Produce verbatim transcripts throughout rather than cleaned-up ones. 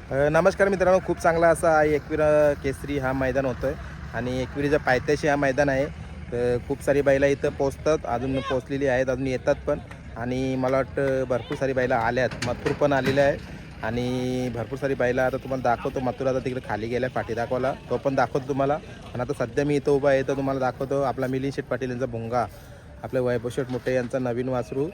अ, नमस्कार मित्रांनो, खूप चांगला असा एकविरा केसरी हा मैदान होतं आहे आणि एकविरीच्या पायथ्याशी हा मैदान आहे. तर खूप सारी बैला इथं पोचतात, अजून पोचलेली आहेत, अजून येतात पण. आणि मला वाटतं भरपूर सारी बैला आल्यात. मथुर पण आलेला आहे आणि भरपूर सारी बैला आता तुम्हाला दाखवतो. मथुर आता तिकडे खाली गेला पाठी दाखवायला, तो पण दाखवतो तुम्हाला. आणि आता सध्या मी इथं उभा आहे तर तुम्हाला दाखवतो आपला मिलिंद शेठ पाटील यांचा भुंगा, आपले वैभव शेठ मोठे यांचा नवीन वासरू,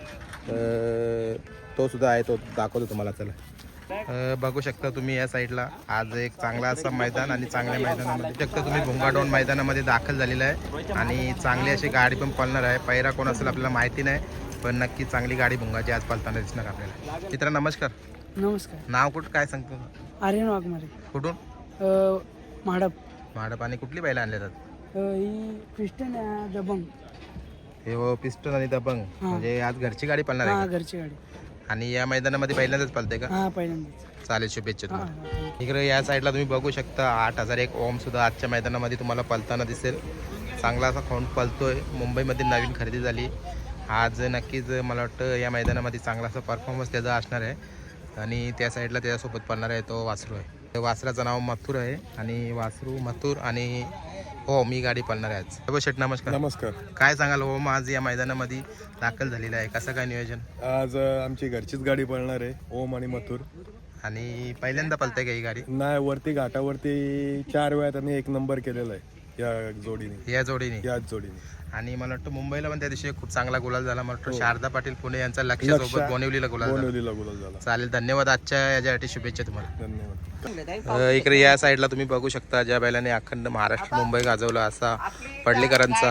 तो सुद्धा आहे, तो दाखवतो तुम्हाला. चला, अ, बघू शकता तुम्ही या साईडला आज एक चांगला असा मैदान आणि चांगल्या मैदानामध्ये शकता तुम्ही भुंगाडोन मैदानामध्ये दाखल झालेला आहे आणि चांगली अशी गाडी पण पळणार आहे. पैरा कोण असेल आपल्याला माहिती नाही, पण नक्की चांगली गाडी भुंगाची आज पळताना दिसणार आपल्याला. मित्र नमस्कार. नमस्कार. नाव कुठं काय सांगतो? आर्यन वाघमारे. कुठून? अ, म्हाडप. म्हाडप. आणि कुठली बैला आणले जातात? अ, ही पिस्टन आहे, दबंग. हे हो, पिस्टन आणि दबंग. म्हणजे आज घरची गाडी पळणार हा, आहे का? घरची गाडी. आणि या मैदानामध्ये पहिल्यांदाच पळते का? हा, पहिल्यांदाच. चालेल, शुभेच्छा हा, तुम्हाला. हा. इकडे या साईडला तुम्ही बघू शकता आठ हजार एक ओम सुद्धा आजच्या मैदानामध्ये तुम्हाला पळताना दिसेल. चांगला असा खोंड पळतोय. मुंबईमध्ये नवीन खरेदी झाली आज. नक्कीच मला वाटतं या मैदानामध्ये चांगला असा परफॉर्मन्स त्याचा असणार आहे. आणि त्या साईडला त्याच्यासोबत पळणार आहे तो वासरू आहे. वासराचं नाव मथुर आहे आणि वासरू मथुर आणि हो मी गाडी पळणार आहे आज. वैभव शेठ नमस्कार. नमस्कार. काय सांगाल ओम आज या मैदानामध्ये दाखल झालेला आहे, कसं काय नियोजन? आज अ, आमची घरचीच गाडी पळणार आहे, ओम आणि मथुर. आणि पहिल्यांदा पळते का ही गाडी? नाही, वरती घाटावरती चार वेळा त्यांनी एक नंबर केलेला आहे या जोडीने, या जोडीने याच जोडीने. आणि मला वाटतं मुंबईला पण त्या दिवशी खूप चांगला गुलाल झाला. मला वाटतं हो. शारदा पाटील पुणे यांचा लक्ष लक्ष. सोबत बोनिवलीला गुलाल झाला. बोनिवलीला गुलाल झाला. चालेल, धन्यवाद. आजच्या याच्यासाठी शुभेच्छा तुम्हाला. धन्यवाद. अ, इकडे या साईडला तुम्ही बघू शकता ज्या बैलाने अखंड महाराष्ट्र मुंबई गाजवला असा पडलेकरांचा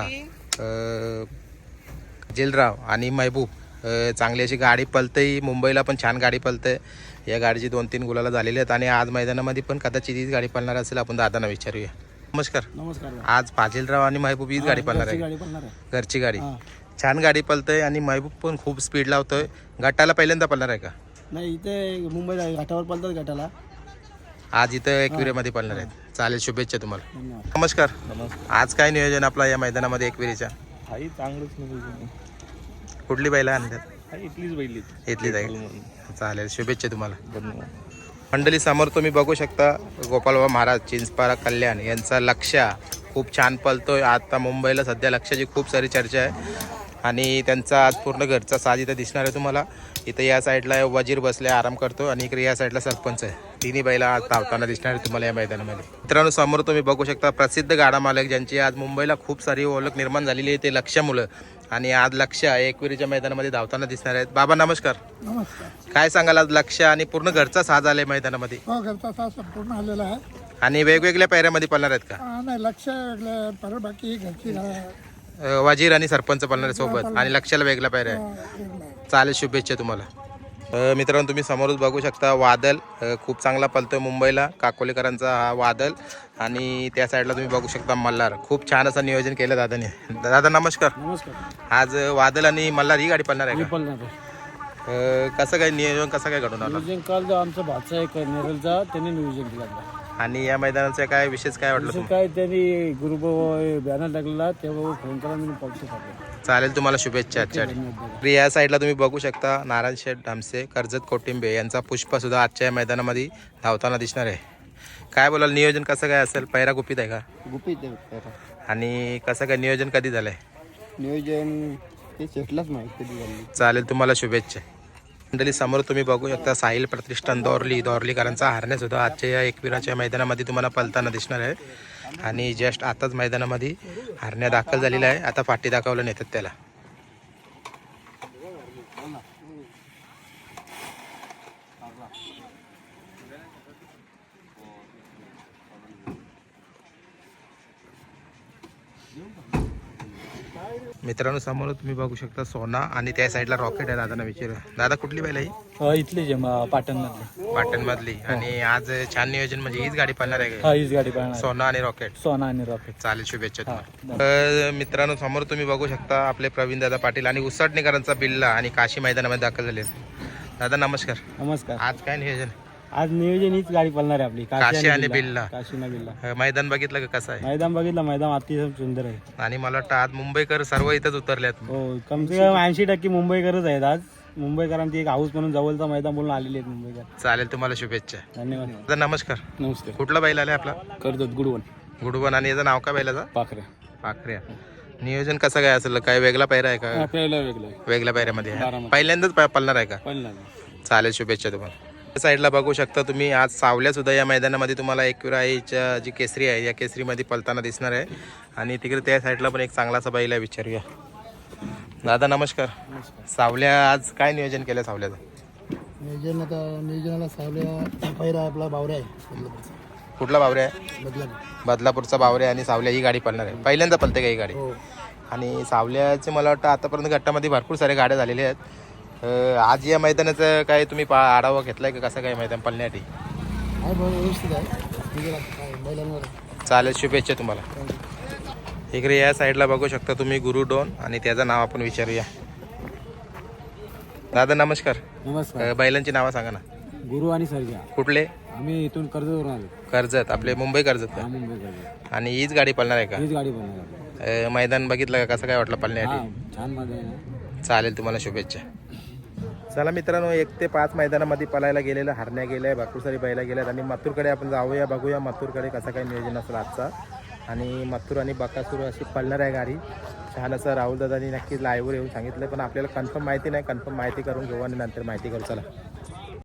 अ, जिलराव आणि महबूब. अ, चांगली अशी गाडी पळते, मुंबईला पण छान गाडी पळते. या गाडीची दोन तीन गुलाला झालेली आहेत आणि आज मैदानामध्ये पण कदाचित हीच गाडी पळणार असेल. आपण दादांना विचारूया. नमस्कार. नमस्कार. आज फाजिलराव आणि महबूब हीच गाडी पळणार आहे? गाडी पळणार आहे. घरची गाडी. हा. छान गाडी पळतंय आणि महबूब पण खूप स्पीड लावतोय. गटाला पहिल्यांदा पळणार आहे का? नाही, इथे मुंबईला घाटावर पळतात गटाला. आज इथं एकविरेमध्ये पळणार आहेत. चालेल, शुभेच्छा तुम्हाला. धन्यवाद. नमस्कार. नमस्कार. आज काय नियोजन आपला या मैदानामध्ये एकविरीच्या? आई चांगलंच नाही, कुठली बैला आणतात? इथलीच बैली. इथलीच आहे. चालेल, शुभेच्छा तुम्हाला. धन्यवाद. मंडळी समोर तुम्ही बघू शकता गोपालबाबा महाराज चिंचपारा कल्याण यांचा लक्ष खूप छान पळतोय. आता मुंबईला सध्या लक्षाची खूप सारी चर्चा आहे आणि त्यांचा आज पूर्ण घरचा साज इथं दिसणार आहे तुम्हाला. इथं या साईडला वजीर बसले आराम करतो आणि इकडे या साईडला सरपंच आहे. तिन्ही बैला आज धावताना दिसणार आहे तुम्हाला या मैदानामध्ये. मित्रांनो, समोर तुम्ही बघू शकता प्रसिद्ध गाडा मालक ज्यांची आज मुंबईला खूप सारी ओळख निर्माण झालेली आहे ते लक्ष मुलं. आणि आज लक्ष एकविरीच्या मैदानामध्ये धावताना दिसणार आहेत. बाबा नमस्कार. नमस्कार. काय सांगाल आज लक्ष आणि पूर्ण घरचा साज आलाय मैदानामध्ये? हो, घरचा साज संपूर्ण आलेला आहे. आणि वेगवेगळ्या पायऱ्यामध्ये पळणार आहेत का? नाही, लक्ष वेगळं, बाकी घरची अ, वजीर आणि सरपंच पळणार आहे सोबत आणि लक्षाला वेगळा पायऱ्या आहे. चालेल, शुभेच्छा तुम्हाला. अ, मित्रांनो, तुम्ही समोरच बघू शकता वादल अ, खूप चांगला पळतोय मुंबईला. काकोलेकरांचा हा वादल. आणि त्या साईडला तुम्ही बघू शकता मल्हार. खूप छान असं नियोजन केलं दादाने. दादा नमस्कार. नमस्कार. आज वादल आणि मल्हार ही गाडी पळणार आहे का? पळणार आहे. अ, कसं काय नियोजन कसं काय घडून आलं? नियोजन काल जो आमचा भाचा आहे नेरलचा, त्यांनी नियोजन केलं. आणि या मैदानाचा काय विशेष काय वाटलं तुम्हाला? काय त्यांनी ग्रुप बॅनर टाकलेला, तेव्हा फोन करा, मी पळतो. चालेल, तुम्हाला शुभेच्छा आजच्या. या साईडला तुम्ही बघू शकता नारायण शेठ धामसे कर्जत कोटिंबे यांचा पुष्पा सुद्धा आजच्या या मैदानामध्ये धावताना दिसणार आहे. काय बोलाल, नियोजन कसं काय असेल? पैरा गुपित आहे का? गुपित. आणि कसं काय नियोजन कधी झालंय? नियोजन ते शेटलाच माहिती कधी झाली. चालेल, तुम्हाला शुभेच्छा. मंडळी समोर तुम्ही बघू शकता साहिल प्रतिष्ठान दोरली दोरलीकरांचा हारणे सुद्धा आजच्या या एकविराच्या मैदानामध्ये तुम्हाला पळताना दिसणार आहे. आणि जस्ट आताच मैदानामध्ये हारण्या दाखल झालेला आहे. आता फाटी दाखवलं नेतात त्याला. मित्रांनो, समोर तुम्ही बघू शकता सोना आणि त्या साईडला रॉकेट आहे. दादांना विचार. दादा कुठली बैल आहे? इथली जे पाटण मधली. पाटण मधली. आणि आज छान नियोजन म्हणजे हीच गाडी पळणार आहे का? हा, हीच गाडी पाहणार. सोना आणि रॉकेट. सोना आणि रॉकेट. चालेल, शुभेच्छा तुम्हाला. अ, मित्रांनो, समोर तुम्ही बघू शकता आपले प्रवीण दादा पाटील आणि उसटणेकरांचा बिल्ला आणि काशी मैदानामध्ये दाखल झाले. दादा नमस्कार. नमस्कार. आज काय नियोजन? आज नियोजन हीच गाडी पळणार आहे आपली, काशी आणि बिल्ला. काशी ना बिल्ला. अ, मैदान बघितलं का कसं आहे? मैदान बघितलं, मैदान अतिशय सुंदर आहे. आणि मला वाटतं आज मुंबईकर सर्व इथंच उतरल्यात. हो, कम से कम ऐंशी टक्के मुंबईकरच आहेत आज. मुंबईकरांची एक हाऊस म्हणून जवळचा मैदान बोलून आलेले आहेत मुंबईकर. चालेल, तुम्हाला शुभेच्छा. धन्यवाद. तर नमस्कार. नमस्ते. कुठला बैल आलाय आपला? करतात गुडवन गुडवन. आणि याचं नाव काय बैलाचं? पाखरे. पाखऱ्या. नियोजन कसं काय असेल? काय वेगळा पायरा आहे का? आपल्याला वेगळं आहे. वेगळ्या पायऱ्यामध्ये आहे. बारामती. पहिल्यांदाच प- पळणार आहे का? पहिला चालेल, शुभेच्छा तुम्हाला. त्या साईडला बघू शकता तुम्ही, आज सावल्या सुद्धा या मैदानामध्ये तुम्हाला एकविरा आईच्या जी केसरी आहे या केसरीमध्ये पळताना दिसणार आहे. आणि तिकडे त्या साईडला पण एक चांगलासा बैल आहे, विचारूया. दादा नमस्कार. सावल्या आज काय नियोजन केलं सावल्याचं? नियोजन आता नियोजनाला सावल्या पहिला आपला बावऱ्या आहे बदलापूरचा. कुठला बावरे आहे? बदलापूर. बदलापूरचा बावरे आणि सावल्या ही गाडी पळणार आहे. पहिल्यांदा पळते का ही गाडी? हो. आणि सावल्याचे मला वाटतं आतापर्यंत गटामध्ये भरपूर साऱ्या गाड्या झालेल्या आहेत. अं, आज या मैदानाचं काय तुम्ही पा आढावा घेतलाय का? कसं काय मैदान पळण्यासाठी? आहे बरं, व्यवस्थित आहे. नियोजन आता काय बैलांवर आहे. चालेल, शुभेच्छा तुम्हाला. इकडे या साईडला बघू शकता तुम्ही गुरु डोन, आणि त्याचं नाव आपण विचारूया. दादा नमस्कार. नमस्कार. अं, बैलांची नावं सांगा ना. गुरु आणि सर्जा. कुठले? आम्ही इथून कर्जतवरून आलो. कर्जत, आपले मुंबई कर्जत का? हा, मुंबई कर्जत. आणि हीच गाडी पळणार आहे का? हीच गाडी बनवणार. अं, मैदान बघितलं का? कसं काय वाटलं हा, पळण्यासाठी? छान मध्ये आहे ना. चालेल, तुम्हाला शुभेच्छा. चला मित्रांनो, एक ते पाच मैदानामध्ये पळायला गेलेलं हरण्या गेल्या, भरपूर सारी बैला गेल्यात. आणि मथुरकडे आपण जाऊया, बघूया मथुरकडे कसं काय नियोजन असेल आजचा. आणि मथुर आणि बकासूर अशी पळणार आहे गाडी. छान असं राहुल दादांनी नक्कीच लाईव्हवर येऊन सांगितलं, पण आपल्याला कन्फर्म माहिती नाही. कन्फर्म माहिती करून घेऊ आणि नंतर माहिती करू. चला.